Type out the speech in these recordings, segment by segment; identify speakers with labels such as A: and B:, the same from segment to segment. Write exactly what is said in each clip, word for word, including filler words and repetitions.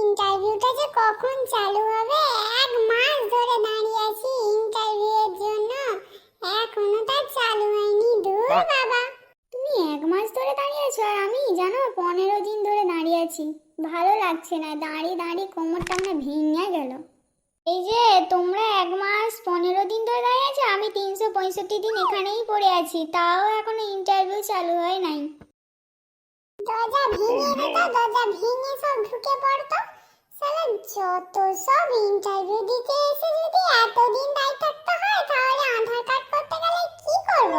A: ইন্টারভিউটা যে কখন চালু হবে, এক মাস ধরে দাঁড়িয়ে আছি ইন্টারভিউয়ের জন্য, এখনো তা চালু হয়নি। দূর বাবা। তুমি এক মাস ধরে দাঁড়িয়ে আছো আর আমি জানো পনেরো দিন ধরে দাঁড়িয়ে আছি। ভালো লাগছে না, দাঁড়িয়ে দাঁড়িয়ে কোমরটা আমার ভেঙে গেল। এই যে তোমরা এক মাস পনেরো দিন ধরে দাঁড়িয়ে আছো, আমি তিনশো পঁয়ষট্টি দিন এখানেই পড়ে আছি, তাও এখনো ইন্টারভিউ চালু হয় নাই। দরজা ভেঙে দিত, দরজা ভেঙে সব ঢুকে পড়তো। সালা যত সব ইন্টারভিউ দিতে এসে যদি এতদিন দাঁড়িয়ে থাকতে হয়, তাহলে আধার কার্ড করতে গেলে কি করব?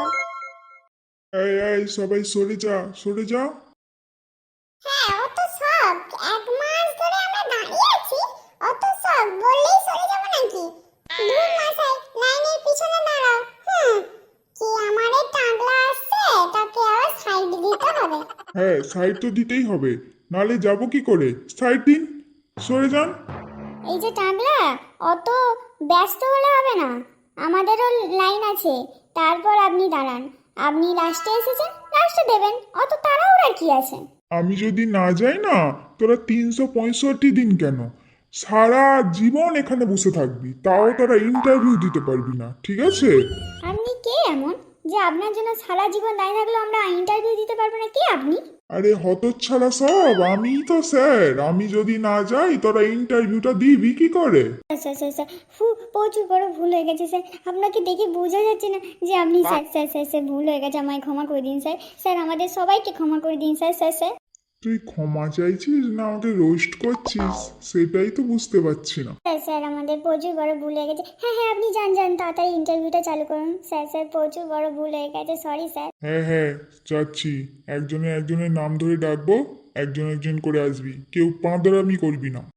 B: এই এই সবাই সরে যা, সরে যা।
A: হ্যাঁ, অত সব এক মাস ধরে আমরা দাঁড়িয়ে আছি, অত সব বললেই সরে যাব নাকি? দূর মশাই, লাইনের পিছনে দাঁড়াও। হুম, কি আমারে টাগলা আসছে, তাকে আবার সাইড দিতে হবে।
B: হ্যাঁ, সাইড তো দিতেই হবে, নালে যাব কি করে? সাইড দিন, সরে যান।
A: এই যে টাগলা, অত ব্যস্ত হলে হবে না, আমাদেরও লাইন আছে। তারপর আপনি দাঁড়ান, আপনি লাস্টে এসেছেন, লাস্টে দেবেন, অত তাড়াহুড়া কি আছে?
B: আমি যদি না যাই না, তোরা তিনশো পঁয়ষট্টি দিন কেন, সারা জীবন এখানে বসে থাকবি, তাও তোরা ইন্টারভিউ দিতে পারবি না, ঠিক আছে?
A: আপনি কে এমন যে আপনার জন্য সারা জীবন দাঁড়িয়ে থাকলেও আমরা ইন্টারভিউ দিতে পারবো না? কে আপনি?
B: আরে হতচ্ছাড়া সব, আমিই তো স্যার। আমি যদি না যাই তোরা ইন্টারভিউটা দিবি কি করে?
A: স্যার স্যার স্যার ফু, প্রচুর বড় ভুল হয়ে গেছে স্যার। আপনাকে দেখে বোঝা যাচ্ছে না যে আপনি স্যার স্যার স্যার স্যার ভুল হয়ে গেছে, আমায় ক্ষমা করে দিন স্যার। স্যার আমাদের সবাইকে ক্ষমা করে দিন স্যার। স্যার স্যার
B: তুই ক্ষমা চাইছিস না আমাকে রোস্ট করছিস, সেটাই তো বুঝতে পারছি না।
A: স্যার স্যার আমাদের প্রচুর বড় ভুল হয়ে গেছে। হ্যাঁ হ্যাঁ, আপনি যান যান, তাড়াতাড়ি ইন্টারভিউটা চালু করুন। স্যার স্যার প্রচুর বড় ভুল হয়ে গেছে, সরি স্যার।
B: হ্যাঁ হ্যাঁ, যাচ্ছি। একজনে একজনের নাম ধরে ডাকবো, একজন একজন করে আসবি, কেউ পাঁদরামি করবি না।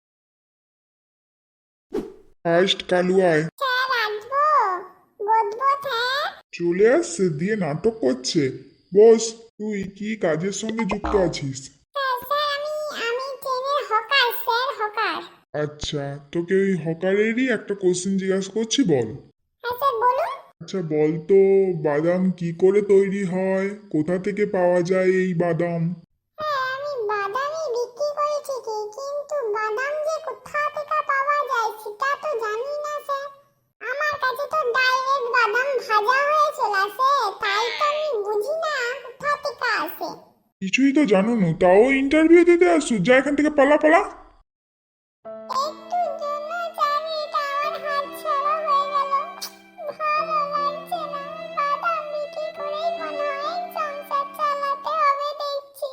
B: ফার্স্ট কালু আয়।
A: স্যার আসবো, বদবো স্যার।
B: চলে আসছে, দিয়ে নাটক করছে। বস, তুই কি কাজের সঙ্গে যুক্ত আছিস?
A: স্যার স্যার আমি আমি ট্রেনের হকার স্যার, হকার।
B: আচ্ছা, তোকে ওই হকারেরই একটা কোশ্চেন জিজ্ঞাসা করছি, বল।
A: হ্যাঁ স্যার বলুন।
B: আচ্ছা বল তো, বাদাম কি করে তৈরি হয়, কোথা থেকে পাওয়া যায় এই বাদাম?
A: হ্যাঁ, আমি বাদামই বিক্রি করি ঠিকই, কিন্তু বাদাম যে কোথা থেকে পাওয়া যায় সেটা তো জানি না স্যার। আমার কাছে তো ডাইরেক্ট বাদাম ভাজা হয়ে চলে আসে, তাই তো আমি বুঝি না কোথা থেকে আসে।
B: কিছুই তো জানো না, তাও ইন্টারভিউ দিতে আসছো? যা এখান থেকে, পালা পালা।
A: একটুর জন্য স্যার এটা আমার হাত ছাড়া হয়ে গেল। ভালো লাগছে না, বাদাম বিক্রি করেই মনে হয় সংসার চালাতে হবে দেখছি।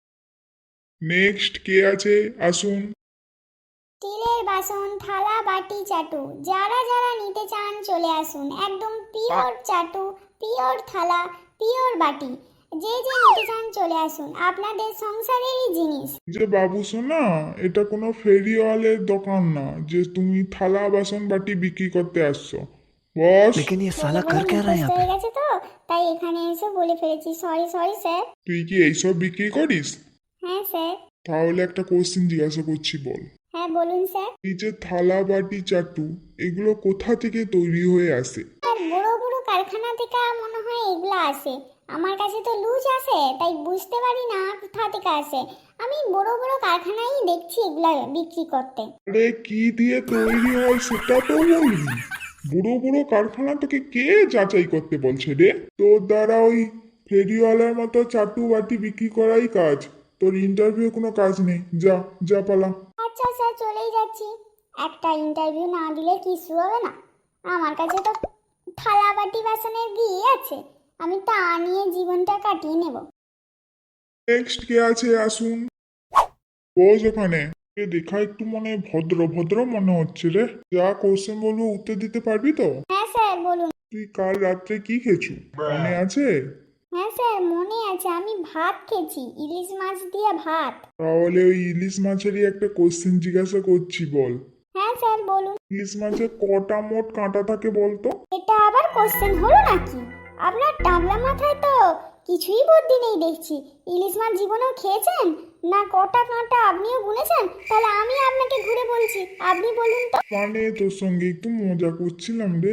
B: নেক্সট কে আছে, আসুন।
A: স্টিলের বাসন, থালা, বাটি, চাটু, যারা যারা নিতে চান চলে আসুন। একদম পিওর চাটু, পিওর থালা, পিওর বাটি, যে যে নিতে চান চলে আসুন, আপনাদের সংসারেরই জিনিস।
B: যে বাবু শোনা, এটা কোনো ফেরিওয়ালের দোকান না যে তুমি থালা বাসন বাটি বিক্রি করতে আসছো। বস,
C: लेकिन ये
A: বলে
C: साला
A: বলে
C: कर क्या रहा है
A: মুখস্থ
C: यहाँ पे?
A: হয়ে গেছে তো, তাই এখানে এসে বলে ফেলেছি। Sorry sorry sir.
B: তুই কি এইসব বিক্রি করিস?
A: হ্যাঁ স্যার।
B: তাহলে একটা কোশ্চেন জিজ্ঞাসা করছি, বল।
A: হ্যাঁ বলুন স্যার।
B: এই যে থালা বাটি চাটু, এগুলো কোথা থেকে তৈরি হয়ে আসে?
A: আর বড় বড় কারখানা থেকে মনে হয় এগুলা আসে। আমার কাছে তো লুজ আসে, তাই বুঝতে পারি না কোথা থেকে আসে। আমি বড় বড় কারখানায় দেখছি এগুলা বিক্রি করতে।
B: আরে কি দিয়ে তৈরি হয় সেটা তো বলবি। বুড়ো বুড়ো কারখানা তোকে কে যাচাই করতে বলছে রে? তোর দ্বারা ওই ফেরিওয়ালার মতো চাটু বাটি বিক্রি করাই কাজ, তোর ইন্টারভিউ কোনো কাজ নেই। যা যা, পালা।
A: আচ্ছা স্যার, চলেই যাচ্ছি। একটা ইন্টারভিউ না দিলে কিছু হবে না। আমার কাছে তো থালা বাটি বাসনের গিয়ে আছে, আমি তা নিয়ে জীবনটা কাটিয়ে নেব।
B: নেক্সট কে আছে, আসুন। বস ওখানে। এ দেখা একটু মনে ভদ্র ভদ্র মনে হচ্ছে রে। যা কোশ্চেন বলবো উত্তর দিতে পারবি তো?
A: হ্যাঁ স্যার বলুন।
B: তুই কাল রাত্রে কি খেয়েছু, মনে আছে?
A: হ্যাঁ স্যার মনে আছে, আমি ভাত খেয়েছি, ইলিশ মাছ দিয়ে ভাত।
B: তাহলে ওই ইলিশ মাছেরই একটা কোশ্চেন জিজ্ঞাসা করছি, বল।
A: হ্যাঁ স্যার বলুন।
B: ইলিশ মাছে কটা মোট কাঁটা থাকে বলতো?
A: এটা আবার কোশ্চেন হলো নাকি? আপনার টাবলা মাথায় তো কিছুই বুদ্ধি নেই দেখছি। ইলিশ মাছ জীবনেও খেয়েছেন না? কটা কাঁটা আপনিও গুনেছেন? তাহলে আমি আপনাকে ঘুরে বলছি, আপনি বলুন তো।
B: মানে তোর সঙ্গে একটু মজা করছিলাম রে।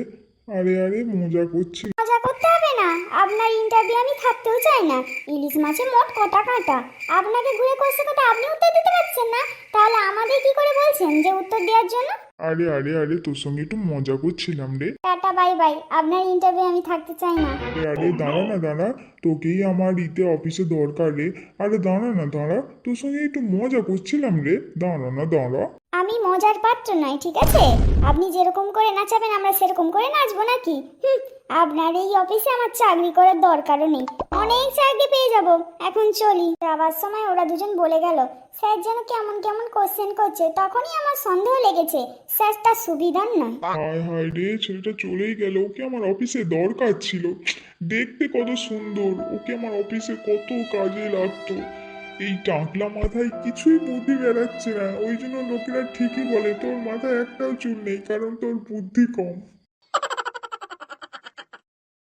B: আরে আরে মজা করছি।
A: মজা করতে হবে না, আপনার ইন্টারভিউ আমি থাকতেও চাই না। ইলিশ মাছে মোট কটা কাঁটা, আপনাকে ঘুরে কোশ্চেন করতে আপনি উত্তর দিতে পারছেন না, তাহলে আমাদের কি করে বলছেন যে উত্তর দেওয়ার জন্য?
B: আরে আরে আরে তোর সঙ্গে একটু মজা করছিলাম রে।
A: টাটা বাই বাই, আপনার ইন্টারভিউ আমি থাকতে চাই না।
B: আরে আরে দাঁড়া না দাঁড়া, তোকেই আমার ইতে অফিসে দরকার রে। আরে দাঁড়া না দাঁড়া, তোর সঙ্গে একটু মজা করছিলাম রে, দাঁড়া না দাঁড়া।
A: আমি মজার পাত্র নয়, ঠিক আছে? আপনি যেরকম করে নাচাবেন আমরা সেরকম করে নাচবো নাকি? হুম, আপনার এই অফিসে আমার চাকরি করার দরকারও নেই, অনেক চাকরি পেয়ে যাব। এখন চলি। যাবার সময় ওরা দুজন বলে গেল, স্যার যেন কেমন কেমন কোশ্চেন করছে, তখনই আমার সন্দেহ লেগেছে স্যারটা সুবিধার নয়।
B: হায় হায় রে, ছেলেটা চলেই গেল, ওকে আমার অফিসে দরকার ছিল। দেখতে কত সুন্দর, ওকে আমার অফিসে কত কাজে লাগতো। এই টাকলা মাথায় কিছুই বুদ্ধি বেরাচ্ছে না, ওই জন্য লোকেরা ঠিকই বলে তোর মাথায় একটাও চুল নেই, কারণ তোর বুদ্ধি কম।